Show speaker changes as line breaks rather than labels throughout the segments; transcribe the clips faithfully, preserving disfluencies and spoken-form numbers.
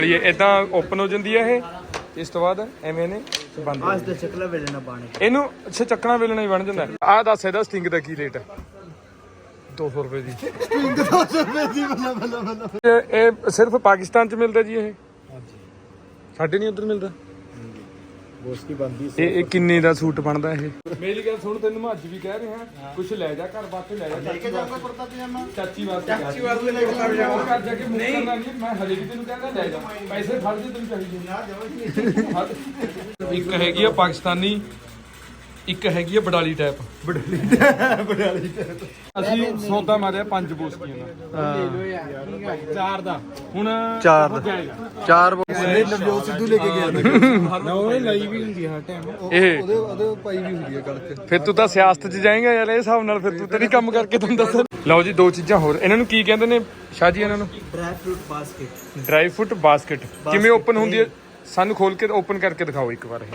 ये इदां ओपन हो जाती है ये, इस तो बाद एवें ने बंद
आज तो चकला वेलना पाने
ਇਹਨੂੰ ਅੱਛਾ ਚੱਕਣਾ ਵੇਲਣਾ ਹੀ ਬਣ ਜਾਂਦਾ। ਆਹ ਦੱਸ ਇਹਦਾ ਸਟਿੰਗ ਦਾ ਕੀ ਰੇਟ ਹੈ? ਦੋ ਸੌ ਰੁਪਏ ਦੀ ਸਟਿੰਗ ਦੋ ਸੌ ਰੁਪਏ ਦੀ ਬੱਲਾ ਬੱਲਾ ਬੱਲਾ। ਇਹ ਸਿਰਫ ਪਾਕਿਸਤਾਨ ਚ ਮਿਲਦਾ ਜੀ ਇਹ? ਹਾਂਜੀ। ਸਾਡੇ ਨਹੀਂ ਉੱਧਰ ਮਿਲਦਾ।
ਬੋਸ ਕੀ ਬੰਦੀ
ਇਹ ਇਹ ਕਿੰਨੇ ਦਾ ਸੂਟ ਬਣਦਾ ਇਹ? ਮੇਰੀ ਗੱਲ ਸੁਣ, ਤੈਨੂੰ ਮੈਂ ਅੱਜ ਵੀ ਕਹਿ ਰਿਹਾ ਕੁਛ ਲੈ ਜਾ ਘਰ ਵਾਸਤੇ, ਲੈ ਜਾ ਚਾਚੀ ਵਾਸਤੇ ਕੁੜਤਾ ਪਜਾਮਾ, ਚਾਚੀ ਵਾਸਤੇ ਚਾਚੀ ਵਾਸਤੇ ਲੈ ਕੇ ਜਾ ਘਰ ਜਾ ਕੇ ਨਹੀਂ ਕਰਨਾ ਨਹੀਂ। ਮੈਂ ਹਲੇ ਵੀ ਤੈਨੂੰ ਕਹਿੰਦਾ ਲੈ ਜਾ, ਪੈਸੇ ਫੜ ਦੇ ਤੈਨੂੰ ਚਾਹੀਦੇ ਨਾ ਜਮਾ। ਇੱਕ ਹੈਗੀ ਆ ਪਾਕਿਸਤਾਨੀ, ਇੱਕ ਹੈਗੀ ਆ ਬਡਾਲੀ ਟਾਈਪ। ਬਡਾਲੀ ਬਡਾਲੀ ਟਾਈਪ ਅਸੀਂ ਸੌਦਾ ਮਾਰਿਆ ਪੰਜ ਬੋਸਕੀਆਂ ਦਾ ਚਾਰ ਦਾ। ਹੁਣ
ਚਾਰ ਚਾਰ
ਉਹਨੇ
ਨਵਜੋਤ ਸਿੱਧੂ ਲੈ ਕੇ ਗਿਆ ਨਾ, ਉਹਨੇ ਲਈ ਵੀ ਹੁੰਦੀ ਹਰ ਟਾਈਮ
ਇਹ
ਉਹਦੇ ਉਹਦੇ ਪਾਈ ਵੀ ਹੁੰਦੀ ਹੈ ਗੱਲ ਤੇ।
ਫਿਰ ਤੂੰ ਤਾਂ ਸਿਆਸਤ 'ਚ ਜਾਏਗਾ ਯਾਰ, ਇਹ ਹਿਸਾਬ ਨਾਲ ਫਿਰ ਤੂੰ ਤਾਂ ਨਹੀਂ ਕੰਮ ਕਰਕੇ ਤੁਹਾਨੂੰ ਦੱਸ। ਲਓ ਜੀ ਦੋ ਚੀਜ਼ਾਂ ਹੋਰ, ਇਹਨਾਂ ਨੂੰ ਕੀ ਕਹਿੰਦੇ ਨੇ ਸ਼ਾਹ ਜੀ? ਇਹਨਾਂ ਨੂੰ
dry fruit basket.
Dry fruit basket ਕਿਵੇਂ ਓਪਨ ਹੁੰਦੀ ਹੈ? ਸਾਨੂੰ ਖੋਲ ਕੇ ਓਪਨ ਕਰਕੇ ਦਿਖਾਓ ਇੱਕ ਵਾਰ। ਇਹ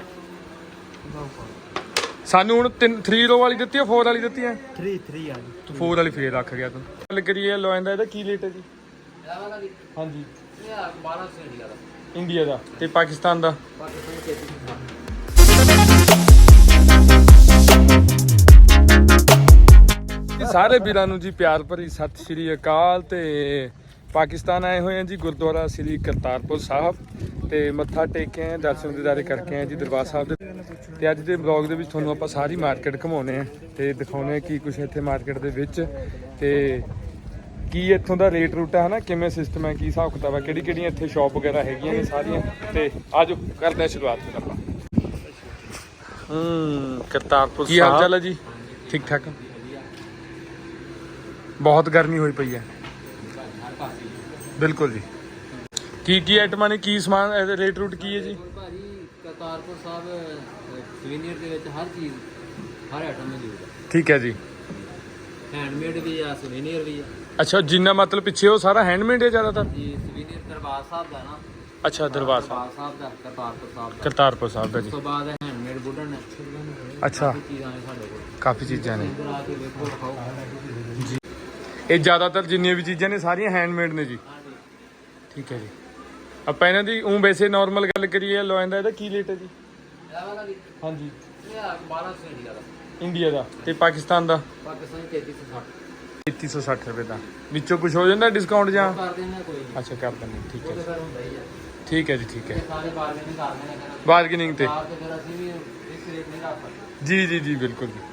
ਸਾਨੂੰ ਹੁਣ ਤਿੰਨ ਥ੍ਰੀ ਰੋ ਵਾਲੀ ਦਿੱਤੀ ਹੈ, ਫੋਰ ਵਾਲੀ ਦਿੱਤੀ ਹੈ?
ਥ੍ਰੀ ਥ੍ਰੀ ਆ ਜੀ।
ਤੂੰ ਫੋਰ ਵਾਲੀ ਫੇਰ ਰੱਖ ਗਿਆ ਤੂੰ। ਗੱਲ ਕਰੀਏ ਲੋਇਨ ਦਾ, ਇਹਦਾ ਕੀ ਰੇਟ ਹੈ ਜੀ? ਹਾਂਜੀ
ਬਾਰਾਂ ਸੌ ਇੰਡੀਆ ਦਾ।
ਇੰਡੀਆ ਦਾ ਤੇ ਪਾਕਿਸਤਾਨ ਦਾ? ਸਾਰੇ ਵੀਰਾਂ ਨੂੰ ਜੀ ਪਿਆਰ ਭਰੀ ਸਤਿ ਸ਼੍ਰੀ ਅਕਾਲ। ਤੇ ਪਾਕਿਸਤਾਨ ਆਏ ਹੋਏ ਆ ਜੀ, ਗੁਰਦੁਆਰਾ ਸ੍ਰੀ ਕਰਤਾਰਪੁਰ ਸਾਹਿਬ ਤੇ ਮੱਥਾ ਟੇਕ ਕੇ ਆਏ, ਦਰਸ਼ਨ ਦਿਦਾਰੇ ਕਰਕੇ ਆਏ ਜੀ ਦਰਬਾਰ ਸਾਹਿਬ ਦੇ। ਤੇ ਅੱਜ ਦੇ ਬਲੌਗ ਦੇ ਵਿੱਚ ਤੁਹਾਨੂੰ ਆਪਾਂ ਸਾਰੀ ਮਾਰਕੀਟ ਘੁਮਾਉਣੇ ਆ ਤੇ ਦਿਖਾਉਣੇ ਆ ਕੀ ਕੁਛ ਇੱਥੇ ਮਾਰਕੀਟ ਦੇ ਵਿੱਚ, ਤੇ ਕੀ ਇੱਥੋਂ ਦਾ ਰੇਟ ਰੂਟ ਹੈ ਨਾ, ਕਿਵੇਂ ਸਿਸਟਮ ਹੈ, ਕੀ ਹਿਸਾਬ ਕਿਤਾਬ ਹੈ, ਕਿਹੜੀ ਕਿਹੜੀਆਂ ਇੱਥੇ ਸ਼ਾਪ ਵਗੈਰਾ ਹੈਗੀਆਂ ਨੇ ਸਾਰੀਆਂ। ਤੇ ਆਜੋ ਕਰਦੇ ਆ ਸ਼ੁਰੂਆਤ ਫਿਰ ਆਪਾਂ। ਹੂੰ ਕਰਤਾਰਪੁਰ ਕੀ ਹਾਲ ਚਾਲ ਹੈ ਜੀ? ਠੀਕ ਠਾਕ। ਬਹੁਤ ਗਰਮੀ ਹੋਈ ਪਈ ਹੈ ਬਿਲਕੁਲ ਜੀ। ਕੀ ਕੀ ਆਈਟਮਾਂ ਨੇ, ਕੀ ਸਮਾਨ, ਇਹਦੇ ਰੇਟ ਰੂਟ ਕੀ ਹੈ ਜੀ?
ਭਾਜੀ ਕਰਤਾਰਪੁਰ ਸਾਹਿਬ ਸਵੀਨੀਅਰ ਦੇ ਵਿੱਚ ਹਰ ਚੀਜ਼, ਹਰ ਆਈਟਮ ਮੌਜੂਦ ਹੈ।
ਠੀਕ ਹੈ ਜੀ।
ਹੈਂਡਮੇਡ ਵੀ ਆ, ਸਵੀਨੀਅਰ ਵੀ ਆ
ਅੱਛਾ, ਜਿੰਨਾ ਮਤਲਬ ਪਿੱਛੇ ਉਹ ਸਾਰਾ ਹੈਂਡਮੇਡ ਹੈ ਜ਼ਿਆਦਾਤਰ
ਜੀ। ਸਵੀਨੀਅਰ ਦਰਬਾਰ ਸਾਹਿਬ ਦਾ ਨਾ।
ਅੱਛਾ ਦਰਬਾਰ ਸਾਹਿਬ,
ਦਰਬਾਰ ਸਾਹਿਬ ਦਾ, ਕਰਤਾਰਪੁਰ ਸਾਹਿਬ ਦਾ।
ਕਰਤਾਰਪੁਰ ਸਾਹਿਬ ਦਾ
ਉਸ
ਜੀ।
ਤੋਂ ਬਾਅਦ ਹੈਂਡਮੇਡ ਵੁਡਨ ਹੈ।
ਅੱਛਾ
ਕਾਫੀ ਚੀਜ਼ਾਂ ਨੇ ਸਾਡੇ ਕੋਲ,
ਕਾਫੀ ਚੀਜ਼ਾਂ ਨੇ
ਇੱਧਰ ਆ ਕੇ ਵੇਖੋ ਦਿਖਾਓ।
ਇਹ ਜ਼ਿਆਦਾਤਰ ਜਿੰਨੀਆਂ ਵੀ ਚੀਜ਼ਾਂ ਨੇ ਸਾਰੀਆਂ ਹੈਂਡਮੇਡ ਨੇ ਜੀ।
ਹਾਂਜੀ
ਠੀਕ ਹੈ ਜੀ। ਆਪਾਂ ਇਹਨਾਂ ਦੀ ਉਹ ਵੈਸੇ ਨਾਰਮਲ ਗੱਲ ਕਰੀਏ ਲੋਇਨ ਦਾ, ਇਹਦਾ ਕੀ ਰੇਟ ਹੈ ਜੀ?
ਇਹ ਵਾਲਾ ਵੀ
ਹਾਂਜੀ
ਇਹ ਆ ਬਾਰਾਂ ਸੌ ਇੰਡੀਆ ਦਾ।
ਇੰਡੀਆ ਦਾ ਤੇ ਪਾਕਿਸਤਾਨ ਦਾ?
ਪਾਕਿਸਤਾਨੀ ਤੇਤੀ ਸੌ ਸੱਠ।
ਤੇਤੀ ਸੌ ਸੱਠ ਰੁਪਏ ਦਾ। ਵਿੱਚੋਂ ਕੁਝ ਹੋ ਜਾਂਦਾ ਡਿਸਕਾਊਂਟ ਜਾਂ?
ਕਰ ਦਿੰਦੇ ਕੋਈ ਨਹੀਂ,
ਅੱਛਾ ਕਰ ਦਿੰਦੇ। ਠੀਕ ਹੈ
ਉਹਦੇ ਫਿਰ ਹੁੰਦਾ ਹੀ ਆ।
ਠੀਕ ਹੈ ਜੀ। ਠੀਕ ਹੈ,
ਸਾਰੇ ਬਾਰਗੇਨਿੰਗ ਕਰਦੇ ਨੇ।
ਬਾਰਗੇਨਿੰਗ ਤੇ
ਬਾਹਰ ਤੇ ਫਿਰ ਅਸੀਂ ਵੀ ਇਸ ਰੇਟ ਨਹੀਂ ਰੱਖ ਸਕਦੇ।
ਜੀ ਜੀ ਜੀ ਬਿਲਕੁਲ ਜੀ।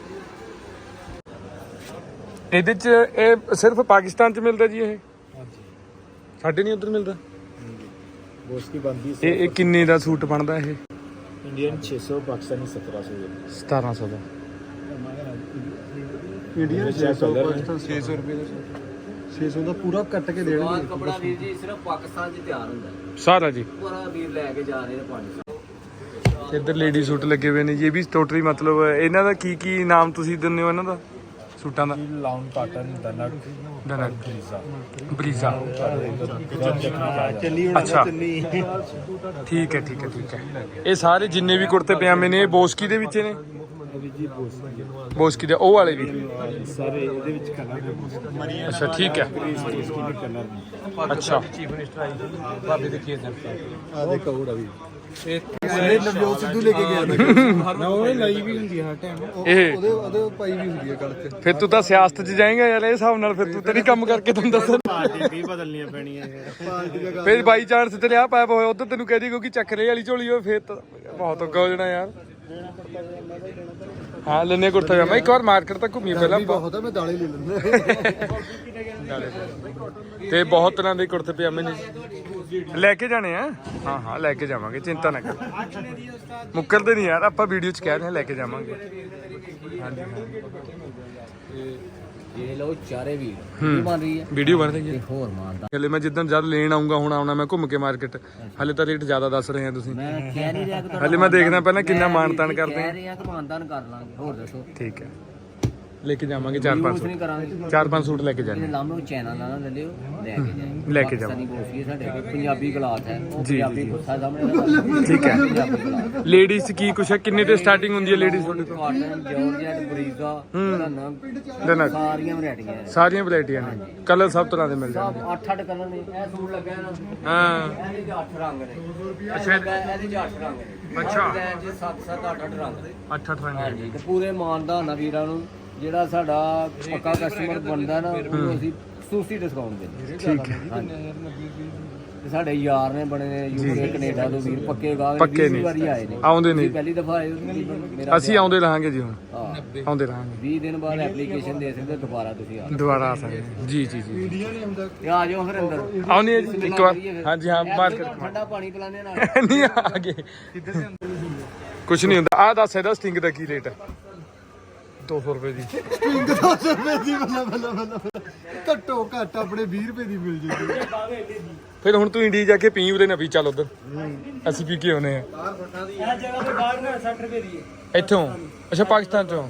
ਇਹਦੇ ਚ ਇਹ ਸਿਰਫ ਪਾਕਿਸਤਾਨ ਚ ਮਿਲਦਾ ਜੀ ਇਹ?
ਹਾਂਜੀ।
ਸਾਡੇ ਨਹੀਂ ਉੱਧਰ ਮਿਲਦਾ।
ਬੋਸ ਕੀ ਬੰਦੀ
ਇਹ ਇਹ ਕਿੰਨੇ ਦਾ ਸੂਟ ਬਣਦਾ ਇਹ?
ਇੰਡੀਅਨ ਛੇ ਸੌ, ਪਾਕਿਸਤਾਨੀ ਸਤਾਰਾਂ ਸੌ।
ਸਤਾਰਾਂ ਸੌ ਦਾ।
ਇੰਡੀਅਨ ਛੇ ਸੌ, ਪਾਕਿਸਤਾਨ ਛੇ ਸੌ ਰੁਪਏ ਦਾ। ਛੇ ਸੌ ਦਾ ਪੂਰਾ ਕੱਟ ਕੇ ਦੇਣਗੇ।
ਬਾਹਰ ਕਪੜਾ ਵੀਰ ਜੀ ਸਿਰਫ ਪਾਕਿਸਤਾਨ 'ਚ ਤਿਆਰ ਹੁੰਦਾ ਹੈ।
ਸਾਰਾ ਜੀ
ਪੂਰਾ ਵੀਰ ਲੈ ਕੇ ਜਾ ਰਹੇ ਨੇ ਪਾਣੀ।
ਇੱਧਰ ਲੇਡੀ ਸੂਟ ਲੱਗੇ ਹੋਏ ਨੇ ਜੀ। ਇਹ ਵੀ ਟੋਟਲੀ ਮਤਲਬ ਇਹਨਾਂ ਦਾ ਕੀ ਕੀ ਨਾਮ ਤੁਸੀਂ ਦਿੰਦੇ ਹੋ ਇਹਨਾਂ ਦਾ ਸੂਟਾਂ ਦਾ?
ਲਾਉਨ ਕਾਟਨ, ਦਨਕ,
ਦਨਕ,
ਬਰੀਜ਼ਾ।
ਬਰੀਜ਼ਾ।
ਚੱਲੀ
ਅੱਛਾ ਠੀਕ ਹੈ ਠੀਕ ਹੈ ਠੀਕ ਹੈ। ਇਹ ਸਾਰੇ ਜਿੰਨੇ ਵੀ ਕੁੜਤੇ ਪਜਾਮੇ ਨੇ ਇਹ ਬੋਸਕੀ ਦੇ ਵਿੱਚ ਨੇ?
ਜੀ ਬੋਸ ਕੀ
ਬੋਸਕੀ ਦੇ ਉਹ ਵਾਲੇ ਵੀ
ਸਾਰੇ ਇਹਦੇ ਵਿੱਚ ਕਲਰ ਨੇ।
ਅੱਛਾ ਠੀਕ ਹੈ।
ਬੋਸਕੀ ਦੇ ਕਲਰ ਨੇ।
ਅੱਛਾ
ਚੀਫ ਮਿਨਿਸਟਰ ਆਈ ਸੀ ਬਾਬੇ ਦੇ ਖੇਤ ਆ ਦੇਖੋ ਉਹ ਵੀ ਇਹ ਨਵਜੋਤ ਸਿੱਧੂ ਲੈ ਕੇ ਗਿਆ ਨਾ, ਉਹਨੇ ਲਈ ਵੀ ਹੁੰਦੀ ਹਰ ਟਾਈਮ
ਇਹ
ਉਹਦੇ ਉਹਦੇ ਪਾਈ ਵੀ ਹੁੰਦੀ ਹੈ ਗੱਲ ਤੇ।
ਫਿਰ ਤੂੰ ਤਾਂ ਸਿਆਸਤ 'ਚ ਜਾਏਗਾ ਯਾਰ, ਇਹ ਹਿਸਾਬ ਨਾਲ ਫਿਰ ਤੂੰ ਤਾਂ ਨਹੀਂ ਕੰਮ ਕਰਕੇ ਤੁਹਾਨੂੰ ਦੱਸ।
ਪਾਰਟੀ ਵੀ ਬਦਲਣੀਆਂ ਪੈਣੀਆਂ ਪਾਰਟੀ ਦਾ ਗੱਲ।
ਫਿਰ ਬਾਈ ਚਾਂਸ ਤੇ ਲਿਆ ਪਾਇਆ ਹੋਇਆ ਉਧਰ ਤੈਨੂੰ ਕਹਿ ਦੀ ਕਿਉਂਕਿ ਚੱਕਰੇ ਵਾਲੀ ਝੋਲੀ ਹੋਵੇ ਫਿਰ ਤਾਂ ਬਹੁਤ ਔਖਾ ਹੋ ਜਾਣਾ ਯਾਰ। ਹਾਂ ਲੈਨੇ ਕੁੜਤਾ ਪਜਾਮਾ ਇੱਕ ਵਾਰ ਮਾਰਕੀਟ ਤੱਕ ਘੁੰਮੀ ਪਹਿਲਾਂ
ਬਹੁਤ ਆ, ਮੈਂ ਦਾਲੇ ਲੈ ਲੈਂਦਾ।
ਤੇ ਬਹੁਤ ਤਰ੍ਹਾਂ ਦੇ ਕੁੜਤੇ ਪਜਾਮੇ ਨੇ ਲੈ ਕੇ ਜਾਣੇ ਆ। ਹਾਂ ਹਾਂ ਲੈ ਕੇ ਜਾਵਾਂਗੇ, ਚਿੰਤਾ ਨਾ ਕਰ, ਮੁੱਕਰਦੇ ਨਹੀਂ ਯਾਰ ਆਪਾਂ ਵੀਡੀਓ 'ਚ ਕਹਿ ਰਹੇ ਹਾਂ ਲੈ ਕੇ ਜਾਵਾਂਗੇ। ਹਾਂਜੀ
ਇਹ ਲੋ ਚਾਰੇ ਵੀਰ ਕੀ ਬਣ ਰਹੀ ਹੈ,
ਵੀਡੀਓ ਬਣ ਰਹੀ ਹੈ।
ਹੋਰ ਮਾਨਦਾ
ਹਲੇ ਮੈਂ ਜਿੱਦਣ ਜਦ ਲੈਣ ਆਉਂਗਾ ਹੁਣ ਆਉਣਾ ਮੈਂ ਘੁੰਮ ਕੇ ਮਾਰਕੀਟ। ਹਲੇ ਤਾਂ ਰੇਟ ਜ਼ਿਆਦਾ ਦੱਸ ਰਹੇ ਆ ਤੁਸੀਂ।
ਮੈਂ ਕਹਿ ਨਹੀਂ ਰਿਹਾ ਕਿ
ਹਲੇ ਮੈਂ ਦੇਖਦਾ ਪਹਿਲਾਂ ਕਿੰਨਾ ਮਾਨ ਤਾਨ ਕਰਦੇ
ਕਹਿ
ਆ।
ਰਹੇ ਆ ਕਿ ਮਾਨਦਾਨ ਕਰ ਲਾਂਗੇ। ਹੋਰ ਦੱਸੋ।
ਠੀਕ ਹੈ ਲੈ ਕੇ ਜਾਵਾਂਗੇ ਚਾਰ ਪੰਜ
ਕੁਛ ਨਹੀਂ
ਸੂਟ
ਕਰਾਂਗੇ।
ਚਾਰ ਪੰਜ ਸੂਟ ਲੈ ਕੇ
ਜਿਹੜੇ
ਜਾਣੇ
ਲਾਮੇ ਚੈਨਲ ਨਾਲ ਲੈ ਲਿਓ, ਲੈ ਕੇ ਜਾਏ
ਲੈ ਕੇ ਜਾਓ।
ਪਾਕਿਸਤਾਨੀ ਕੋਫੀ ਸਾਡੇ ਕੋਲ ਪੰਜਾਬੀ ਕਲਾਥ ਹੈ, ਉਹ
ਜੀ,
ਪੰਜਾਬੀ
ਜੀ।
ਗੁੱਸਾ ਸਾਹਮਣੇ
ਠੀਕ ਹੈ।
ਪੰਜਾਬੀ ਕਲਾਥ
ਲੇਡੀਜ਼ ਕੀ ਕੁਛ ਹੈ, ਕਿੰਨੇ ਤੇ ਸਟਾਰਟਿੰਗ ਹੁੰਦੀ ਹੈ ਲੇਡੀਜ਼ ਤੁਹਾਡੇ ਤੋਂ?
ਕਾਟਨ, ਜਾਰਜਟ, ਬਰੀਜ਼ਾ, ਰੰਨਾ,
ਰੰਨਾ।
ਸਾਰੀਆਂ ਵੈਰਾਈਟੀਆਂ ਨੇ।
ਸਾਰੀਆਂ ਵੈਰਾਈਟੀਆਂ ਨੇ, ਕਲਰ ਸਭ ਤਰ੍ਹਾਂ ਦੇ ਮਿਲ ਜਾਣਗੇ।
ਸਭ ਅੱਠ ਅੱਠ ਕਲਰ ਨੇ। ਇਹ ਸੂਟ ਲੱਗਾ ਨਾ,
ਹਾਂ
ਇਹਦੇ 'ਚ ਅੱਠ ਰੰਗ ਨੇ।
ਅੱਛਾ।
ਇਹਦੇ 'ਚ ਅੱਠ ਰੰਗ ਨੇ।
ਅੱਛਾ।
ਡਿਜ਼ਾਈਨ 'ਚ ਸੱਤ ਸੱਤ ਅੱਠ ਅੱਠ ਰੰਗ ਨੇ।
ਅੱਠ ਅੱਠ ਰੰਗ
ਹਾਂਜੀ, ਤੇ ਪੂਰੇ ਮਾਨਦਾਨ ਆ ਵੀਰਾਂ ਨੂੰ। ਜਿਹੜਾ ਸਾਡਾ ਪੱਕਾ ਕਸਟਮਰ ਬਣਦਾ ਨਾ, ਉਹਨੂੰ ਅਸੀਂ ਖਸੂਸੀ ਡਿਸਕਾਊਂਟ ਦਿੰਦੇ।
ਠੀਕ ਹੈ।
ਤੇ ਸਾਡੇ ਯਾਰ ਨੇ ਬਣੇ ਨੇ ਯੂਕੇ ਕੈਨੇਡਾ ਤੋਂ ਵੀਰ, ਪੱਕੇ ਗਾਹਕ
ਪੱਕੇ ਨੇ।
ਵੀਹ ਵਾਰੀ ਆਏ ਨੇ।
ਆਉਂਦੇ ਨੇ।
ਤੁਸੀਂ ਪਹਿਲੀ ਦਫਾ ਆਏ ਹੋ, ਮੇਰਾ
ਅਸੀਂ ਆਉਂਦੇ ਰਹਾਂਗੇ ਜੀ, ਹੁਣ
ਹਾਂ,
ਆਉਂਦੇ ਰਹਾਂਗੇ,
ਵੀਹ ਦਿਨ ਬਾਅਦ ਐਪਲੀਕੇਸ਼ਨ ਦੇ ਸਕਦੇ ਹੋ, ਦੁਬਾਰਾ ਤੁਸੀਂ ਆ
ਦੁਬਾਰਾ ਆ ਸਕਦੇ ਹਾਂ। ਜੀ ਜੀ ਜੀ
ਤੇ ਆ ਜਾਓ ਫਿਰ ਅੰਦਰ।
ਆਉਣੀ ਹੈ ਜੀ ਇੱਕ ਵਾਰ। ਹਾਂਜੀ ਹਾਂ, ਬਾਤ ਕਰ
ਠੰਡਾ ਪਾਣੀ ਪਿਲਾਣੇ ਨਾਲ।
ਨਹੀਂ ਆ ਗਏ ਕੁਛ ਨਹੀਂ ਹੁੰਦਾ। ਆਹ ਦੱਸ ਇਹਦਾ ਸਟਿੰਗ ਦਾ ਕੀ ਰੇਟ ਹੈ? ਦੋ ਸੌ ਰੁਪਏ ਦੀ
ਪਿੰਗ ਦੋ ਸੌ ਰੁਪਏ ਦੀ ਬੱਲਾ ਬੱਲਾ ਬੱਲਾ ਘੱਟੋ ਘੱਟ ਆਪਣੇ ਵੀਹ ਰੁਪਏ ਦੀ ਮਿਲ ਜੂਗੀ।
ਫਿਰ ਹੁਣ ਤੂੰ ਇੰਡੀਆ ਜਾ ਕੇ ਪੀ ਉਹਦੇ ਨਾ ਪੀ, ਚੱਲ ਉਧਰ ਅਸੀਂ ਪੀ ਕੇ ਆਉਨੇ ਆ।
ਇਹ ਜਗ੍ਹਾ ਤੇ ਬਾਹਰ ਨਾ ਸੱਠ ਰੁਪਏ ਦੀ ਹੈ।
ਇੱਥੋਂ? ਅੱਛਾ, ਪਾਕਿਸਤਾਨ ਚੋਂ।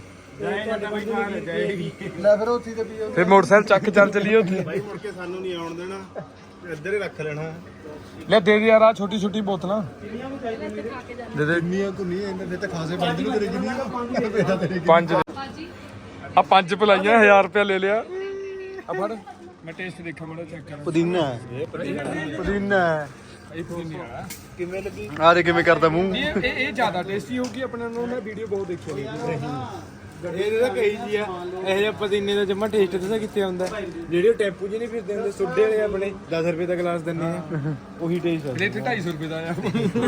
ਲੈ ਫਿਰ ਉੱਥੇ ਤੇ ਪੀਓ।
ਫਿਰ ਮੋਟਰਸਾਈਕਲ ਚੱਕ ਕੇ ਚੱਲ ਚੱਲੀਏ ਉੱਥੇ।
ਭਾਈ ਮੁੜ ਕੇ ਸਾਨੂੰ ਨਹੀਂ ਆਉਣ ਦੇਣਾ, ਇੱਧਰ ਹੀ ਰੱਖ ਲੈਣਾ।
ਲੈ ਦੇ ਦੇ ਯਾਰ ਆ ਛੋਟੀ ਛੋਟੀ ਬੋਤਲਾਂ ਦੇ ਦੇ।
ਇੰਨੀਆਂ ਕੋ ਨਹੀਂ, ਇਹਨਾਂ ਨੇ ਤਾਂ ਖਾਸੇ ਬੰਦ ਨੂੰ ਤੇਰੇ ਜਿੰਨੀ ਪੈਸਾ ਤੇਰੇ
ਪੰਜ ਆ ਪੰਜ ਪਲਾਈਆਂ, ਹਜ਼ਾਰ ਰੁਪਇਆ ਲੈ ਲਿਆ। ਆ ਫੜ, ਮੈਂ ਟੇਸਟ ਦੇਖਾਂ, ਮੜਾ ਚੈੱਕ ਕਰਾਂ।
ਪੁਦੀਨਾ ਪੁਦੀਨਾ
ਇਹ ਪੁਦੀਨਾ
ਕਿਵੇਂ ਲੱਗੀ? ਆ ਦੇ ਕਿਵੇਂ ਕਰਦਾ ਮੂੰਹ।
ਇਹ ਇਹ ਇਹ ਜ਼ਿਆਦਾ ਟੇਸਟੀ ਹੋਊਗੀ ਆਪਣੇ ਨਾਲੋਂ। ਮੈਂ ਵੀਡੀਓ ਬਹੁਤ ਦੇਖੀ ਹੋਈ
ਇਹਦੇ ਤਾਂ ਕਈ ਜੀ ਆ ਇਹ ਜਿਹਾ ਪਦੀਨੇ ਦਾ ਜਮਾ ਟੇਸਟ ਦੱਸਾਂ ਕਿੱਥੇ ਆਉਂਦਾ, ਜਿਹੜੇ ਉਹ ਟੈਂਪੂ ਜੀ ਨਹੀਂ ਫਿਰਦੇ ਹੁੰਦੇ ਸੁੱਡੇ ਵਾਲੇ ਆਪਣੇ ਦਸ ਰੁਪਏ ਦਾ ਗਲਾਸ ਦਿੰਦੇ ਆ, ਉਹੀ ਟੇਸਟ ਆ।
ਰੇਟ ਢਾਈ ਸੌ ਰੁਪਏ ਦਾ ਆ।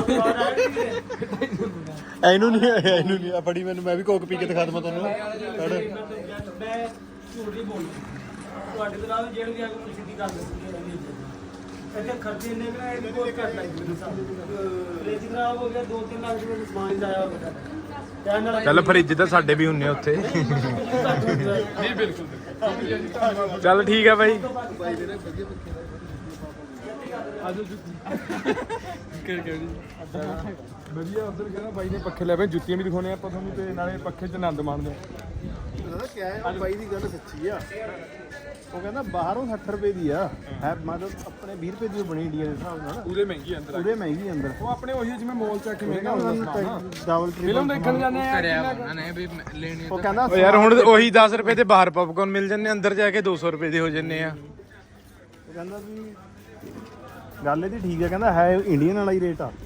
ਇਹਨੂੰ ਨਹੀਂ ਆਇਆ, ਇਹਨੂੰ ਨਹੀਂ ਆ। ਫੜੀ ਮੈਨੂੰ, ਮੈਂ ਵੀ ਕੋਕ ਪੀ ਕੇ ਦਿਖਾ ਦਵਾਂ ਤੁਹਾਨੂੰ। ਫੜ।
ਮੈਂ ਝੂਠ ਨਹੀਂ ਬੋਲਦਾ ਤੁਹਾਡੇ ਤੋਂ ਨਾਲ ਜਿਹੜੀ ਆ ਕੇ ਸਿੱਧੀ ਗੱਲ ਦੱਸੀ। ਇੱਥੇ ਖਰਚੇ ਇੰਨੇ ਕਿ ਇਹ ਬਹੁਤ ਘੱਟ ਲੱਗ ਗਏ ਸਾਨੂੰ। ਫ੍ਰਿਜ ਖਰਾਬ ਹੋ ਗਿਆ, ਦੋ ਤਿੰਨ ਲੱਖ ਰੁਪਏ ਦਾ ਸਮਾਨ ਜਾਇਆ ਹੋ ਗਿਆ। ਤੇ ਨਾਲ
ਚੱਲ ਫਰਿੱਜ ਤਾਂ ਸਾਡੇ ਵੀ ਹੁੰਨੇ ਉੱਥੇ। ਨਹੀਂ ਬਿਲਕੁਲ। ਚੱਲ ਠੀਕ ਹੈ ਬਾਈ। ਵਧੀਆ ਉਧਰ ਕਹਿੰਦਾ ਬਾਈ ਨੇ ਪੱਖੇ ਲੈ ਪਏ, ਜੁੱਤੀਆਂ ਵੀ ਦਿਖਾਉਣੇ ਆਪਾਂ ਤੁਹਾਨੂੰ, ਤੇ ਨਾਲੇ ਪੱਖੇ 'ਚ ਆਨੰਦ ਮਾਣਦੇ ਆ।
ਪਤਾ ਕਿਆ ਹੈ, ਉਹ ਬਾਈ ਦੀ ਗੱਲ ਸੱਚੀ ਆ। ਉਹ ਕਹਿੰਦਾ ਬਾਹਰੋਂ ਸੱਠ ਰੁਪਏ ਦੀ ਆ, ਹੈ ਮਤਲਬ ਆਪਣੇ ਵੀਹ ਰੁਪਏ ਦੀ ਉਹ ਬਣੀ ਇੰਡੀਆ ਦੇ ਹਿਸਾਬ ਨਾਲ।
ਪੂਰੇ ਮਹਿੰਗੀ ਅੰਦਰ
ਪੂਰੇ ਮਹਿੰਗੀ ਅੰਦਰ।
ਉਹ ਆਪਣੇ ਉਹੀ ਜਿਵੇਂ ਮੋਲ ਚ ਆ ਕੇ ਮਹਿੰਗਾ ਹੁੰਦਾ ਸਮਾਨ।
ਡਬਲ
ਫਿਲਮ ਦੇਖਣ ਜਾਂਦੇ ਆ
ਉਹ ਕਹਿੰਦਾ
ਓ ਯਾਰ ਹੁਣ ਉਹੀ ਦਸ ਰੁਪਏ ਦੇ ਬਾਹਰ ਪੌਪਕਾਰਨ ਮਿਲ ਜਾਂਦੇ, ਅੰਦਰ ਜਾ ਕੇ ਦੋ ਸੌ ਰੁਪਏ ਦੇ ਹੋ ਜੰਨੇ ਆ।
ਉਹ ਕਹਿੰਦਾ ਵੀ ਗੱਲ ਇਹਦੀ ਠੀਕ ਹੈ, ਕਹਿੰਦਾ ਹੈ ਇੰਡੀਅਨ ਵਾਲਾ ਹੀ ਰੇਟ ਆ।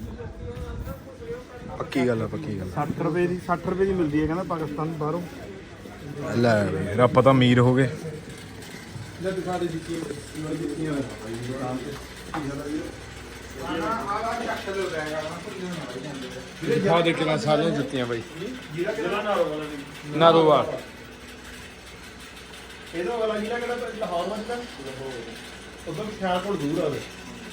ਪੱਕੀ ਗੱਲ ਆ, ਪੱਕੀ ਗੱਲ
ਸੱਠ ਰੁਪਏ ਦੀ ਸੱਠ ਰੁਪਏ ਦੀ ਮਿਲਦੀ ਹੈ ਕਹਿੰਦਾ ਪਾਕਿਸਤਾਨ ਬਾਹਰੋਂ।
ਲੈ ਯਾਰ ਆਪਾਂ ਤਾਂ ਅਮੀਰ ਹੋ ਗਏ।
ਦਿਖਾ ਦੇ ਕਿੰਨਾ ਸਾਰੀਆਂ ਜੁੱਤੀਆਂ ਬਾਈ। ਨਾਰੋਵਾਲ
ਇਹਦਾ ਵਾਲਾ ਜਿਹੜਾ ਕਿਹੜਾ ਲਾਹੌਰ ਮੱਚਦਾ ਉਦੋਂ ਖਿਆਲਪੁਰ ਦੂਰ ਆਵੇ।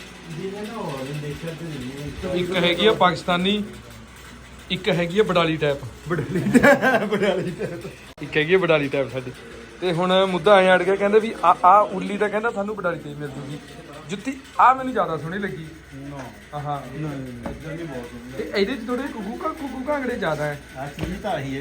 ਇੱਕ ਹੈਗੀ ਆ ਪਾਕਿਸਤਾਨੀ, ਇੱਕ ਹੈਗੀ ਆ ਬਡਾਲੀ ਟਾਈਪ।
ਬਡਾਲੀ ਬਡਾਲੀ
ਇੱਕ ਹੈਗੀ ਆ ਬਡਾਲੀ ਟਾਈਪ ਸਾਡੀ। ਤੇ ਹੁਣ ਮੁੱਦਾ ਐਂ ਅੜ ਗਿਆ, ਕਹਿੰਦੇ ਵੀ ਆ ਆ ਉੱਲੀ ਦਾ ਕਹਿੰਦਾ ਸਾਨੂੰ ਬਡਾਲੀ ਤੇ ਮਿਲ ਜੂਗੀ ਜੁੱਤੀ। ਆ ਮੈਨੂੰ ਜ਼ਿਆਦਾ ਸੋਹਣੀ ਲੱਗੀ। ਹਾਂ ਤੇ ਇਹਦੇ ਚ ਥੋੜੇ ਕੁਕੂ ਕੁਕੂ ਕਾਂਗੜੇ ਜ਼ਿਆਦਾ ਹੈ।
ਆ ਚੀਜ਼ ਤਾਂ ਆਹੀ ਹੈ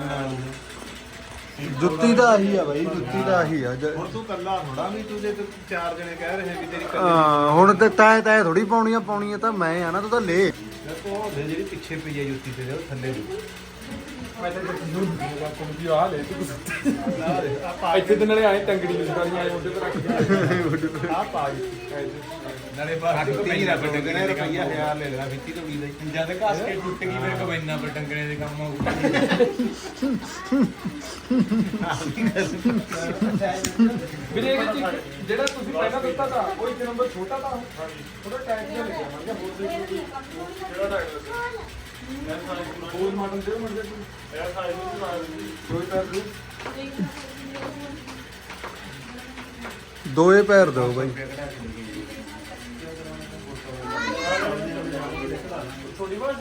ਜੁੱਤੀ ਤਾਂ ਆਹੀ ਆ ਬਾਈ, ਜੁੱਤੀ ਤਾਂ ਆਹੀ ਆ। ਹੁਣ ਤੂੰ ਕੱਲਾ ਥੋੜਾ ਵੀ, ਤੂੰ ਜੇ ਚਾਰ ਜਣੇ ਕਹਿ ਰਹੇ ਵੀ ਤੇਰੀ
ਹਾਂ ਹੁਣ ਤੇ ਤੈ ਤੈ ਥੋੜੀ ਪਾਉਣੀਆਂ ਪਾਉਣੀਆਂ ਤਾਂ ਮੈਂ ਆ ਨਾ, ਤੂੰ ਤਾਂ ਲੈ।
ਉਹ ਜਿਹੜੀ ਪਿੱਛੇ ਪਈ ਆ ਜੁੱਤੀ ਤੇ ਉਹ ਥੱਲੇ
ਮੈਂ ਤਾਂ ਜੀ ਆ ਲੈ ਤੂੰ ਇੱਥੇ ਤੇ ਨਾਲੇ ਆਏ ਟੰਗੜੀ ਵਿਚਾਰੀਆਂ ਆਏ ਉਹਦੇ ਤੇ ਰੱਖ
ਆ ਪਾ ਨਾਲੇ ਬਾਹਰ ਫਿੱਤੀ ਰੱਬ ਡੰਗਣੇ ਰੁਪਈਆ ਹਜ਼ਾਰ ਲੈ ਲੈਣਾ ਫਿੱਤੀ ਤੋਂ ਵੀ ਲਈ ਜਦ ਘਸ ਕੇ ਟੁੱਟ ਗਈ ਮੇਰੇ ਕੋਲ ਇੰਨਾ ਪਰ ਡੰਗਣੇ ਦੇ ਕੰਮ ਆਊਗਾ।
ਵੀਰੇ ਇਹਦੇ ਚ ਜਿਹੜਾ ਤੁਸੀਂ ਪਹਿਲਾਂ ਦਿੱਤਾ ਤਾਂ ਉਹ ਇੱਕ ਨੰਬਰ ਛੋਟਾ ਤਾਂ ਥੋੜਾ ਟਾਈਟ ਜਿਹਾ ਲੱਗਿਆ। ਮੈਂ ਕਿਹਾ ਹੋਰ ਦੇਖੋ ਕਿਹੜਾ ਟਾਈਟ ਲੱਗਿਆ। ਹੋਰ ਮਾਡਲ ਦੇ ਮਰ ਜਾ ਕੋਈ ਇਹ ਸਾਈਜ਼ ਨੂੰ ਲਾ ਦੇ ਕੋਈ ਪੈਰ ਦੇ
ਦੋਏ ਪੈਰ ਦੋ ਬਾਈ।
ਥੋੜੀ ਬਾਤ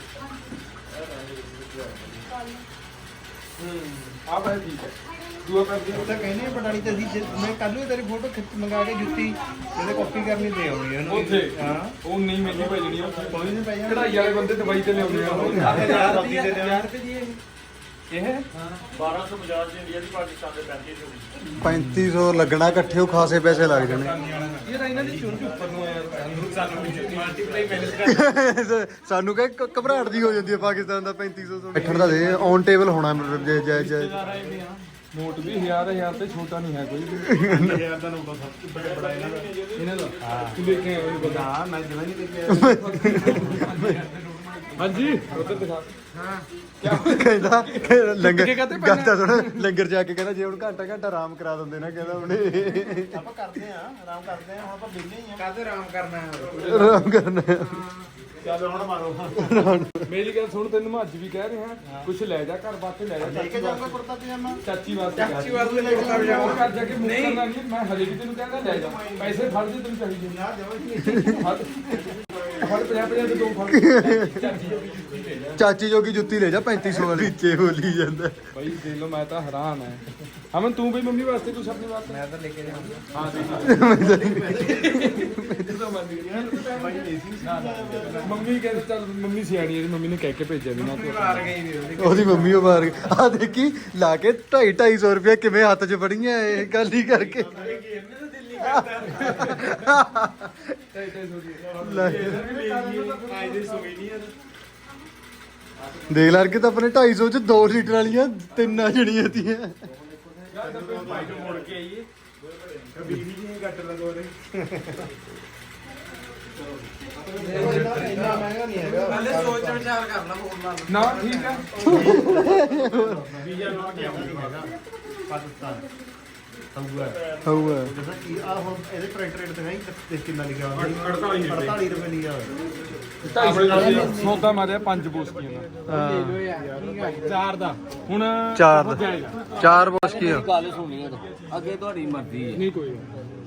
ਆ ਬਾਈ ਠੀਕ ਹੈ। ਦੂਆ ਪੈਰ ਦੀ
ਤਾਂ ਕਹਿੰਦੇ ਬਡਾਲੀ ਤੇ ਅਸੀਂ ਮੈਂ ਕੱਲ ਨੂੰ ਤੇਰੀ ਫੋਟੋ ਖਿੱਚ ਮੰਗਾ ਕੇ ਜੁੱਤੀ ਇਹਦੇ ਕਾਪੀ ਕਰਨੀ ਦੇ ਆਉਣੀ ਉਹਨੂੰ।
ਉੱਥੇ
ਹਾਂ
ਉਹ ਨਹੀਂ ਮਹਿੰਗੀ ਪੈ ਜਣੀ।
ਕੋਈ ਨਹੀਂ ਪਈ
ਕਢਾਈ ਵਾਲੇ ਬੰਦੇ ਦਵਾਈ ਤੇ ਲਿਆਉਂਦੇ ਆ ਉਹ
ਹਜ਼ਾਰ ਰੁਪਏ ਦੀ
ਇਹ
ਬਾਰਾਂ ਸੌ ਪੰਜਾਹ ਦੀ ਇੰਡੀਆ ਦੀ, ਪਾਕਿਸਤਾਨ ਦੇ ਪੈਂਤੀ ਸੌ ਦੀ।
ਪੈਂਤੀ ਸੌ ਲੱਗਣਾ ਇਕੱਠੇ ਉਹ ਖਾਸੇ ਪੈਸੇ ਲੱਗ ਜਾਣੇ
ਇਹ ਤਾਂ ਇਹਨਾਂ ਦੀ ਚੁੰਝ ਉੱਪਰ ਨੂੰ ਆ ਯਾਰ ਸਾਨੂੰ ਮਲਟੀਪਲਾਈ ਮੈਨੇਜ
ਸਾਨੂੰ ਕਹੇ ਕ- ਘਬਰਾਹਟ ਦੀ ਹੋ ਜਾਂਦੀ ਹੈ ਪਾਕਿਸਤਾਨ ਦਾ ਪੈਂਤੀ ਸੌ ਬੈਠਣ ਦਾ ਦੇ ਔਨ ਟੇਬਲ ਹੋਣਾ ਮਤਲਬ ਜੇ ਜੇ ਜੇ
ਨੋਟ ਵੀ ਹਜ਼ਾਰ ਹਜ਼ਾਰ ਤੇ ਛੋਟਾ ਨਹੀਂ ਹੈ ਕੋਈ ਵੀ
ਹਜ਼ਾਰ ਦਾ ਨੋਟ ਸਭ ਤੋਂ ਬੜਾ ਬੜਾ ਇਹਨਾਂ ਦਾ।
ਇਹਨਾਂ ਦਾ ਹਾਂ ਤੂੰ ਦੇਖਿਆ ਉਹ ਬਤਾ
ਹਾਂ ਮੈਂ ਜਮਾਂ ਨਹੀਂ ਦੇਖਿਆ।
ਹਾਂਜੀ ਉਧਰ ਦਿਖਾ
ਕਹਿੰਦਾ ਕਿ ਲੰਗਰ
ਕੇ ਕਾਹਤੇ ਪੈਣਾ?
ਗਾਤਾ ਸੁਣ ਲੰਗਰ ਜਾ ਕੇ ਕਹਿੰਦਾ ਜੇ ਹੁਣ ਘੰਟਾ ਘੰਟਾ ਆਰਾਮ ਕਰਾ ਦਿੰਦੇ ਨਾ ਕਹਿੰਦਾ ਉਹਨੇ
ਆਪਾਂ ਕਰਦੇ ਆ ਆਰਾਮ ਕਰਦੇ ਆ, ਹੁਣ ਆਪਾਂ ਵਿਹਲੇ ਹੀ ਆ।
ਕਾਹਦੇ ਆਰਾਮ ਕਰਨਾ ਹੈ
ਆਰਾਮ ਕਰਨਾ
ਚੱਲ ਹੁਣ ਮਾਰੋ।
ਮੇਰੀ ਗੱਲ ਸੁਣ ਤੈਨੂੰ ਮੈਂ ਅੱਜ ਵੀ ਕਹਿ ਰਿਹਾ ਕੁਛ ਲੈ ਜਾ ਘਰ ਵਾਸਤੇ ਲੈ ਜਾ
ਲੈ ਕੇ
ਚਾਚੀ
ਜਾਊਂਗਾ
ਵਾਸਤੇ
ਕੁੜਤਾ ਪਜਾਮਾ।
ਚਾਚੀ ਵਾਸਤੇ ਚਾਚੀ ਵਾਸਤੇ ਲੈ ਕੇ ਜਾਊਂਗਾ ਘਰ ਜਾ ਕੇ ਮੂੰਹ ਕਰਨਾ ਨਹੀਂ ਮੈਂ ਹਲੇ ਵੀ ਤੈਨੂੰ ਕਹਿੰਦਾ ਲੈ ਜਾ ਪੈਸੇ ਫੜ ਦੇ ਤੈਨੂੰ ਚਾਹੀਦੇ
ਨਾ ਜਮਾਂ
ਫੜ ਫੜ ਪੰਜਾਹ ਪੰਜਾਹ ਦੇ ਦੋ ਫੜ ਚਾਚੀ ਜੋਗੀ ਜੁੱਤੀ ਲੈ ਜਾ
ਚਾਚੀ ਜੋਗੀ ਜੁੱਤੀ ਲੈ ਜਾ ਪੈਂਤੀ ਸੌ ਵਾਲੀ ਵਿੱਚੇ ਬੋਲੀ ਜਾਂਦਾ
ਭਾਈ ਦੇਖ ਲਓ ਮੈਂ ਤਾਂ ਹੈਰਾਨ ਹੈ ਅਮਨ ਤੂੰ ਵੀ ਮੰਮੀ ਵਾਸਤੇ ਕੁਛ ਆਪਣੀ ਵਾਸਤੇ ਮੈਂ ਤਾਂ ਲੈ ਕੇ ਜਾਊਂਗਾ ਹਾਂ ਦੇਖ ਮੰਮੀ ਕਹਿੰਦੀ ਚੱਲ ਮੰਮੀ ਸਿਆਣੀ ਹੈ ਮੰਮੀ ਨੇ ਕਹਿ ਕੇ ਭੇਜਿਆ ਵੀ ਨਾ ਤੂੰ
ਉਹਦੀ ਮੰਮੀ ਉਹ ਮਾਰ ਗਈ ਆ ਦੇਖੀ ਲਾ ਕੇ ਢਾਈ ਢਾਈ ਸੌ ਰੁਪਇਆ ਕਿਵੇਂ ਹੱਥ 'ਚ ਫੜੀਆਂ ਇਹ ਗੱਲ ਹੀ ਕਰਕੇ ਲੈ। ਦੇਖ ਲਾ ਕੇ ਤਾਂ ਆਪਣੇ ਢਾਈ ਸੌ 'ਚ ਦੋ ਲੀਟਰ ਵਾਲੀਆਂ ਤਿੰਨਾਂ ਜਣੀਆਂ ਤੀਆਂ
ਮੁੜ ਕੇ ਆਈਏ
ਬਿਜਲੀ ਦੀ ਘੱਟ ਲੱਗੋ ਰੇ। ਇੰਨਾ ਮਹਿੰਗਾ ਨਹੀਂ ਹੈਗਾ।
ਪਹਿਲੇ ਸੋਚ ਵਿਚਾਰ ਕਰ ਲਾ ਹੋਰ ਲਾ
ਨਾ ਠੀਕ ਆ
ਵੀਜ਼ਾ ਨੋਟ ਨਹੀਂ ਹੈਗਾ ਪਾਕਿਸਤਾਨ। ਹਊਗਾ
ਹੋਊਗਾ
ਜਿਵੇਂ ਕਿ ਆ ਹੁਣ ਇਹਦੇ ਪ੍ਰਿੰਟ ਰੇਟ ਦਿਖਾਈ ਦੇਖ ਕਿੰਨਾ ਲਿਖਿਆ ਹੋਇਆ ਅੜਤਾਲੀ ਰੁਪਏ ਲਿਖਿਆ ਹੋਇਆ।
ਸੌਦਾ ਮਾਰਿਆ ਪੰਜ ਬੋਸਕੀਆਂ ਦਾ ਚਾਰ ਦਾ ਹੁਣ
ਚਾਰ
ਬਹੁਤ
ਦਾ।
ਜਾਏਗਾ।
ਚਾਰ ਬੋਸਕੀ ਆ
ਗੱਲ ਸੁਣੀ ਅੱਗੇ ਤੁਹਾਡੀ ਮਰਜ਼ੀ ਹੈ।
ਨਹੀਂ ਕੋਈ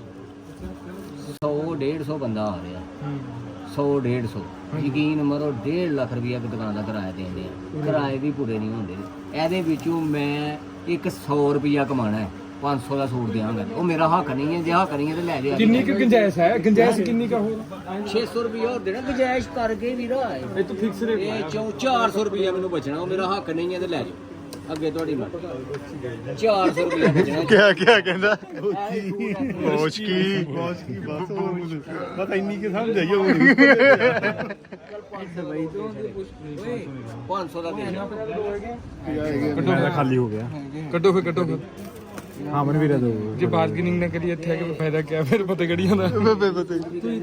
ਸੌ ਡੇਢ ਸੌ ਬੰਦਾ ਆ ਰਿਹਾ ਸੌ ਡੇਢ ਸੌ ਯਕੀਨ ਮਰੋ ਡੇਢ ਲੱਖ ਰੁਪਇਆ ਇੱਕ ਦੁਕਾਨ ਦਾ ਕਿਰਾਇਆ ਦੇਂਦੇ ਆ ਕਿਰਾਏ ਵੀ ਪੂਰੇ ਨਹੀਂ ਹੁੰਦੇ ਇਹਦੇ ਵਿੱਚੋਂ ਮੈਂ ਇੱਕ ਸੌ ਰੁਪਇਆ ਕਮਾਣਾ ਹੈ ਪੰਜ ਸੌ ਦਾ ਸੂਟ ਦਿਆਂਗਾ ਉਹ ਮੇਰਾ ਹੱਕ ਨਹੀਂ ਹੈ ਜੇ ਹੱਕ ਨਹੀਂ ਹੈ ਤੇ ਲੈ ਜਾ
ਕਿੰਨੀ ਕੁ ਗੁੰਜਾਇਸ਼ ਹੈ ਗੁੰਜਾਇਸ਼ ਕਿੰਨੀ ਕਾ ਹੋਰ
ਛੇ ਸੌ ਰੁਪਇਆ ਹੋਰ ਦੇਣਾ ਗੁੰਜਾਇਸ਼ ਕਰਕੇ ਵੀਰਾ
ਇਹ ਤਾਂ ਫਿਕਸ ਰੇਟ
ਇਹ ਚੌ ਚਾਰ ਸੌ ਰੁਪਇਆ ਮੈਨੂੰ ਬਚਣਾ ਉਹ ਮੇਰਾ ਹੱਕ ਨਹੀਂ ਹੈ ਤੇ ਲੈ ਜਾ ਅੱਗੇ ਤੁਹਾਡੀ ਮਰਜ਼ੀ ਚਾਰ ਸੌ ਰੁਪਇਆ ਬਚਣਾ
ਕਿਆ ਕਿਆ ਕਹਿੰਦਾ
ਬੋਚਕੀ
ਬੋਸਕੀ
ਬਸ ਬਸ ਇੰਨੀ ਕਿ ਸਮਝ ਆਈ ਉਹ
ਪੰਜ ਸੌ ਦਾ ਦੇ
ਕੱਢੋ ਖਾਲੀ ਹੋ ਗਿਆ ਕੱਢੋ ਫਿਰ ਕੱਢੋ ਫਿਰ
ਹਾਂ ਮਨ ਵੀਰੇ ਦੋ
ਜੇ ਬਾਰਗੇਨਿੰਗ ਨਾ ਕਰੀਏ ਇੱਥੇ ਆ ਕੇ ਫਾਇਦਾ ਕੀ ਫਿਰ ਪਤਾ ਗੜੀਆਂ ਦਾ
ਬੇ ਬਤੇ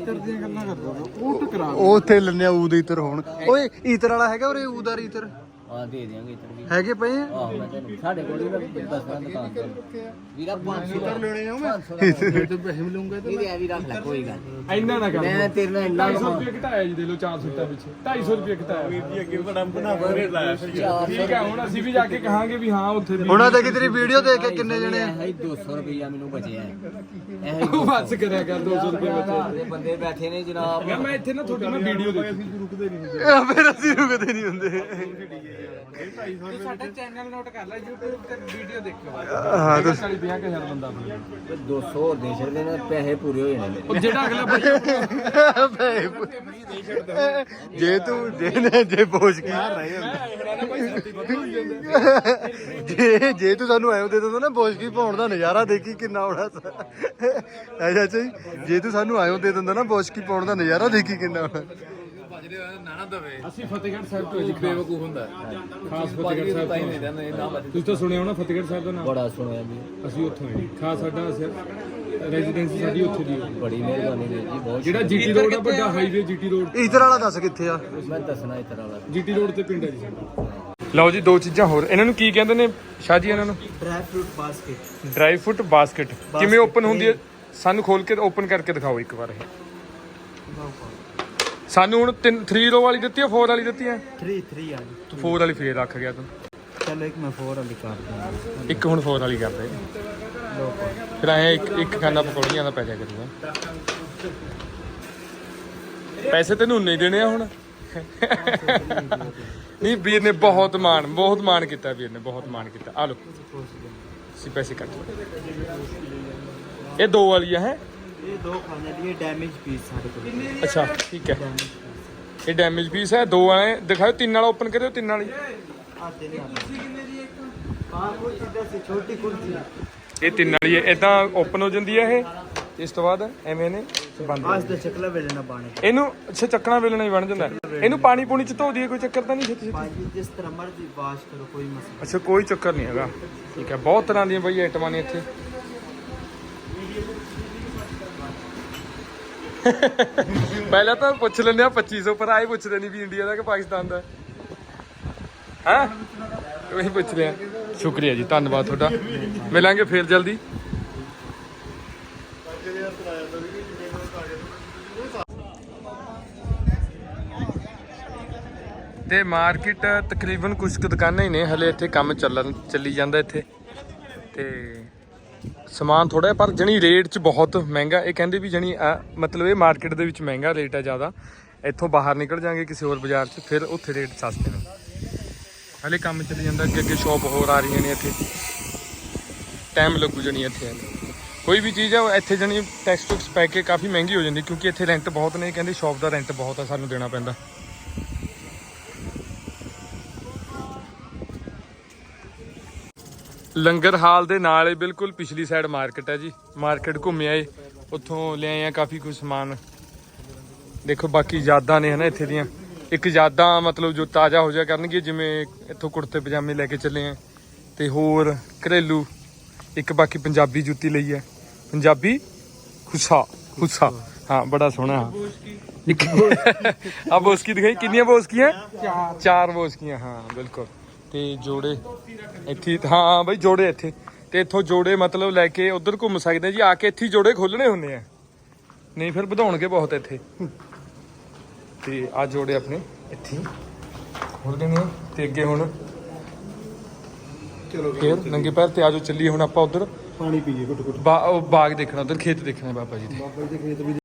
ਉਹ ਉੱਥੇ ਲੰਨਿਆ ਊਦ ਇਤਰ ਹੋਣ ਓਏ ਇਤਰ ਵਾਲਾ ਹੈਗਾ ਉਰੇ ਊਦਾਰ ਇਤਰ
ਹਾਂ ਦੇ ਦਿਆਂਗੇ ਇੱਧਰ ਵੀ
ਹੈਗੇ ਪਏ ਆ?
ਆਹ ਮੈਂ ਤੈਨੂੰ ਸਾਡੇ ਕੋਲ ਵੀ ਦੱਸਣਾ ਦੁਕਾਨ ਤੇ ਵੀਰਾ ਪੰਜ ਸੌ ਦਾ ਲੈਣੇ ਆ ਮੈਂ
ਇੱਧਰ
ਪੈਸੇ ਮਿਲੂੰਗੇ ਤੇ ਇਹ ਵੀ ਰੱਖ ਲੈ ਕੋਈ ਗੱਲ ਨਹੀਂ
ਇੰਨਾ ਨਾ ਕਰ
ਮੈਂ ਤੇਰੇ ਨਾਲ ਇੰਨਾ
ਢਾਈ ਸੌ ਰੁਪਏ ਘਟਾਇਆ ਜੀ ਦੇ ਲੋ ਚਾਰ ਸੂਟਾਂ ਵਿੱਚ ਢਾਈ ਸੌ ਰੁਪਏ ਘਟਾਇਆ
ਜੀ ਅੱਗੇ ਬੜਾ ਬਣਾ ਕੇ ਲਾਇਆ ਸੀ।
ਠੀਕ ਹੈ ਹੁਣ ਅਸੀਂ ਵੀ ਜਾ ਕੇ ਕਹਾਂਗੇ ਵੀ ਹਾਂ ਉੱਥੇ ਵੀ
ਉਹਨਾਂ ਦੇ ਤੇਰੀ ਵੀਡੀਓ ਦੇਖ ਕੇ ਕਿੰਨੇ ਜਣੇ ਆ?
ਇਹ ਦੋ ਸੌ ਰੁਪਇਆ ਮੈਨੂੰ ਬਚਿਆ ਹੈ ਇਹ
ਉਹ ਬਸ ਕਰਿਆ ਕਰ ਦੋ ਸੌ ਰੁਪਏ ਵਿੱਚ
ਦੇ ਬੰਦੇ ਬੈਠੇ ਨੇ ਜਨਾਬ
ਯਾਰ ਮੈਂ ਇੱਥੇ ਨਾ ਤੁਹਾਡੀ ਮੈਂ ਵੀਡੀਓ ਦੇਖੀ
ਇਹ ਫਿਰ ਅਸੀਂ ਰੁਕਦੇ ਨਹੀਂ ਹੁੰਦੇ
ਸਾਡਾ ਚੈਨਲ ਨੋਟ ਕਰ ਲੈ YouTube ਤੇ ਵੀਡੀਓ ਦੇਖੋ
ਹਾਂ ਤਾਂ
ਚਾਲੀ ਪੰਜਾਹ ਹਜ਼ਾਰ ਬੰਦਾ ਆਪਣਾ
ਦੋ ਸੌ ਹੋਰ ਦੇ ਛੱਡਦੇ ਨੇ ਪੈਸੇ ਪੂਰੇ ਹੋ ਜਾਣੇ ਨੇ
ਉਹ ਜਿਹੜਾ ਅਗਲਾ ਬੱਚਾ
ਜੇ ਤੂੰ ਜੇ ਜੇ ਪੋਚ ਕੇ ਜੇ ਜੇ ਤੂੰ ਸਾਨੂੰ ਐਂ ਦੇ ਦਿੰਦਾ ਨਾ ਬੋਸ਼ਕੀ ਪਾਉਣ ਦਾ ਨਜ਼ਾਰਾ ਦੇਖੀ ਕਿੰਨਾ ਆਉਣਾ ਐ ਚਾਚਾ ਜੀ ਜੇ ਤੂੰ ਸਾਨੂੰ ਐਂ ਦੇ ਦਿੰਦਾ ਨਾ ਬੋਸ਼ਕੀ ਪਾਉਣ ਦਾ ਨਜ਼ਾਰਾ ਦੇਖੀ ਕਿੰਨਾ ਆਉਣਾ
ਅਸੀਂ ਫਤਿਹਗੜ੍ਹ ਸਾਹਿਬ ਤੋਂ ਜੀ ਬੇਵਕੂਫ ਹੁੰਦਾ ਖਾਸ ਫਤਿਹਗੜ੍ਹ ਸਾਹਿਬ ਤੋਂ ਤੁਸੀਂ ਤਾਂ ਸੁਣਿਆ ਹੋਣਾ ਫਤਿਹਗੜ੍ਹ ਸਾਹਿਬ ਦਾ ਨਾਮ
ਬੜਾ ਸੁਣਿਆ ਜੀ
ਅਸੀਂ ਉੱਥੋਂ ਹਾਂ ਜੀ ਖਾਸ ਸਾਡਾ ਰੈਜ਼ੀਡੈਂਸੀ ਸਾਡੀ ਉੱਥੇ ਦੀ ਹੈ
ਬੜੀ ਮਿਹਰਬਾਨੀ ਵੀਰ ਜੀ ਬਹੁਤ
ਜਿਹੜਾ ਜੀਟੀ ਰੋਡ ਆ ਵੱਡਾ ਹਾਈਵੇ ਜੀਟੀ ਰੋਡ
ਇਧਰ ਵਾਲਾ ਦੱਸ ਕਿੱਥੇ ਆ
ਮੈਂ ਦੱਸਣਾ ਇਸ ਤਰ੍ਹਾਂ ਵਾਲਾ
ਜੀਟੀ ਰੋਡ ਤੇ ਪਿੰਡ ਹੈ ਜੀ ਸਾਡਾ ਲਓ ਜੀ ਦੋ ਚੀਜ਼ਾਂ ਹੋਰ ਇਹਨਾਂ ਨੂੰ ਕੀ ਕਹਿੰਦੇ ਨੇ ਸ਼ਾਹ ਜੀ ਇਹਨਾਂ ਨੂੰ
dry fruit basket
dry fruit basket ਕਿਵੇਂ ਓਪਨ ਹੁੰਦੀ ਹੈ ਸਾਨੂੰ ਖੋਲ ਕੇ ਓਪਨ ਕਰਕੇ ਦਿਖਾਓ ਇੱਕ ਵਾਰ ਇਹ ਸਾਨੂੰ ਹੁਣ ਤਿੰਨ ਥ੍ਰੀ ਰੋ ਵਾਲੀ ਦਿੱਤੀ ਹੈ ਚਾਰ ਵਾਲੀ ਦਿੱਤੀ ਹੈ
तीन तीन आ गई
ਤੂੰ ਚਾਰ ਵਾਲੀ ਫੇਰ ਰੱਖ ਗਿਆ ਤੂੰ
चलो एक मैं फोर वाली कर दूंगा
ਇੱਕ ਹੁਣ ਚਾਰ ਵਾਲੀ ਕਰ ਦੇ ਫਿਰ ਐ ਇੱਕ ਇੱਕ ਖਾਨਾ ਪਕੌੜੀਆਂ ਦਾ ਪੈ ਜਾ ਕਰੂਗਾ ਪੈਸੇ ਤੈਨੂੰ ਨਹੀਂ ਦੇਣੇ ਆ ਹੁਣ ਨਹੀਂ ਵੀਰ ਨੇ ਬਹੁਤ ਮਾਣ ਬਹੁਤ ਮਾਣ ਕੀਤਾ ਵੀਰ ਨੇ ਬਹੁਤ ਮਾਣ ਕੀਤਾ ਆ ਲੋ ਸੀ ਪੈਸੇ ਕੱਟ ਲਓ ਇਹ ਦੋ ਵਾਲੀ ਹੈ
ये दो खाने लिए डैमेज पीस सारे को
ਅੱਛਾ ਠੀਕ ਹੈ ਇਹ ਡੈਮੇਜ ਪੀਸ ਹੈ ਦੋ ਵਾਲੇ ਦਿਖਾਓ ਤਿੰਨ ਵਾਲਾ ਓਪਨ ਕਰਿਓ ਤਿੰਨ ਵਾਲੀ
आते हैं
हाँ कुछ इधर से छोटी कुर्सी
ਇਹ ਤਿੰਨ ਵਾਲੀ ਹੈ, ਇਦਾਂ ਓਪਨ ਹੋ ਜਾਂਦੀ ਹੈ ਇਹ। ਇਸ ਤੋਂ ਬਾਅਦ ਐਵੇਂ ਨੇ ਬੰਦ ਹੋ
आज तो चकला बेलना पानी
ਜਾਂਦੀ। ਇਹਨੂੰ ਅੱਛਾ ਚੱਕਣਾ ਵੇਲਣਾ ਹੀ ਬਣ ਜਾਂਦਾ ਹੈ। ਇਹਨੂੰ ਪਾਣੀ ਪੂਣੀ ਚ ਧੋ ਦਈਏ, ਕੋਈ ਚੱਕਰ ਤਾਂ ਨਹੀਂ ਛੇਤੀ ਛੇਤੀ?
भाजी जिस तरह मर्जी वाश करो कोई मसला
ਅੱਛਾ ਕੋਈ ਚੱਕਰ ਨਹੀਂ ਹੈਗਾ। ਠੀਕ ਹੈ, ਬਹੁਤ ਤਰ੍ਹਾਂ ਦੀਆਂ ਬਈ ਆਈਟਮਾਂ ਨੇ ਇੱਥੇ। ਪਹਿਲਾਂ ਤਾਂ ਪੁੱਛ ਲੈਂਦੇ ਆ ਪੱਚੀ ਸੌ, ਪਰ ਆਏ ਪੁੱਛਦੇ ਨਹੀਂ ਵੀ ਇੰਡੀਆ ਦਾ ਕਿ ਪਾਕਿਸਤਾਨ ਦਾ ਹੈ। ਉਹੀ ਪੁੱਛ ਲਿਆ। ਸ਼ੁਕਰੀਆ ਜੀ, ਧੰਨਵਾਦ ਤੁਹਾਡਾ। ਮਿਲਾਂਗੇ ਫੇਰ ਜਲਦੀ। ਤੇ ਮਾਰਕੀਟ ਤਕਰੀਬਨ ਕੁਝ ਕੁ ਦੁਕਾਨਾਂ ਹੀ ਨੇ ਹਲੇ ਇੱਥੇ, ਕੰਮ ਚੱਲਣ ਚੱਲੀ ਜਾਂਦਾ ਇੱਥੇ। ਤੇ ਸਮਾਨ ਥੋੜਾ, ਪਰ ਜਣੀ ਰੇਟ 'ਚ ਬਹੁਤ ਮਹਿੰਗਾ। ਇਹ ਕਹਿੰਦੇ ਵੀ ਜਣੀ ਮਤਲਬ ਇਹ ਮਾਰਕੀਟ ਦੇ ਵਿੱਚ ਮਹਿੰਗਾ ਰੇਟ ਹੈ ਜ਼ਿਆਦਾ। ਇੱਥੋਂ ਬਾਹਰ ਨਿਕਲ ਜਾਾਂਗੇ ਕਿਸੇ ਹੋਰ ਬਾਜ਼ਾਰ 'ਚ, ਫਿਰ ਉੱਥੇ ਰੇਟ ਸਸਤੇ ਨੇ। ਹਲੇ ਕੰਮ ਚੱਲੀ ਜਾਂਦਾ, ਅੱਗੇ ਅੱਗੇ ਸ਼ੌਪ ਹੋਰ ਆ ਰਹੀਆਂ ਨੇ ਇੱਥੇ। ਟਾਈਮ ਲੱਗੂ ਜਣੀ ਇੱਥੇ ਹਲੇ। ਕੋਈ ਵੀ ਚੀਜ਼ ਹੈ ਇੱਥੇ ਜਣੀ ਟੈਕਸ ਟੁਕਸ ਪੈ ਕੇ ਕਾਫੀ ਮਹਿੰਗੀ ਹੋ ਜਾਂਦੀ, ਕਿਉਂਕਿ ਇੱਥੇ ਰੈਂਟ ਬਹੁਤ ਨੇ। ਕਹਿੰਦੇ ਸ਼ੌਪ ਦਾ ਰੈਂਟ ਬਹੁਤ ਆ, ਸਾਨੂੰ ਦੇਣਾ ਪੈਂਦਾ। ਲੰਗਰ ਹਾਲ ਦੇ ਨਾਲ ਹੀ ਬਿਲਕੁਲ ਪਿਛਲੀ ਸਾਈਡ ਮਾਰਕੀਟ ਹੈ ਜੀ। ਮਾਰਕੀਟ ਘੁੰਮੇ ਆਏ, ਉੱਥੋਂ ਲੈ ਆਏ ਆ ਕਾਫੀ ਕੁਝ ਸਮਾਨ। ਦੇਖੋ ਬਾਕੀ ਯਾਦਾਂ ਨੇ ਹਨਾ ਇੱਥੇ ਦੀਆਂ। ਇੱਕ ਯਾਦਾਂ ਮਤਲਬ ਜੋ ਤਾਜ਼ਾ ਹੋ ਜਾ ਕਰਨਗੇ, ਜਿਵੇਂ ਇੱਥੋਂ ਕੁੜਤੇ ਪਜਾਮੇ ਲੈ ਕੇ ਚੱਲੇ ਆ, ਤੇ ਹੋਰ ਘਰੇਲੂ। ਇੱਕ ਬਾਕੀ ਪੰਜਾਬੀ ਜੁੱਤੀ ਲਈ ਹੈ, ਪੰਜਾਬੀ ਖੁੱਸਾ ਖੁੱਸਾ ਹਾਂ, ਬੜਾ ਸੋਹਣਾ। ਇੱਕ ਆ ਬੋਸਕੀ ਦਿਖਾਈ, ਕਿੰਨੀਆਂ ਬੋਸਕੀਆਂ? ਚਾਰ ਬੋਸਕੀਆਂ, ਹਾਂ ਬਿਲਕੁਲ। ਤੇ ਜੋੜੇ ਇੱਥੇ, ਹਾਂ ਬਈ ਜੋੜੇ ਇੱਥੇ। ਤੇ ਇੱਥੋਂ ਜੋੜੇ ਮਤਲਬ ਲੈ ਕੇ ਉਧਰ ਘੁੰਮ ਸਕਦੇ ਜੀ। ਆ ਕੇ ਇੱਥੇ ਜੋੜੇ ਖੋਲਣੇ ਹੁੰਦੇ ਆ, ਨਹੀਂ ਫਿਰ ਵਧਾਉਣਗੇ ਬਹੁਤ ਇੱਥੇ। ਤੇ ਆ ਜੋੜੇ ਆਪਣੇ ਇੱਥੇ ਖੋਲਦੇ ਨੇ। ਤੇ ਅੱਗੇ ਹੁਣ ਚਲੋ ਫੇਰ ਨੰਗੇ ਪੈਰ ਤੇ ਆਜੋ ਚੱਲੀਏ ਹੁਣ ਆਪਾਂ ਉਧਰ
ਪਾਣੀ ਪੀਏ ਘੁੱਟ ਘੁੱਟ।
ਬਾਗ ਦੇਖਣਾ, ਉਧਰ ਖੇਤ ਦੇਖਣਾ ਬਾਬਾ ਜੀ ਦੇ।
ਬਾਬਾ ਜੀ ਦੇ ਖੇਤ ਵੀ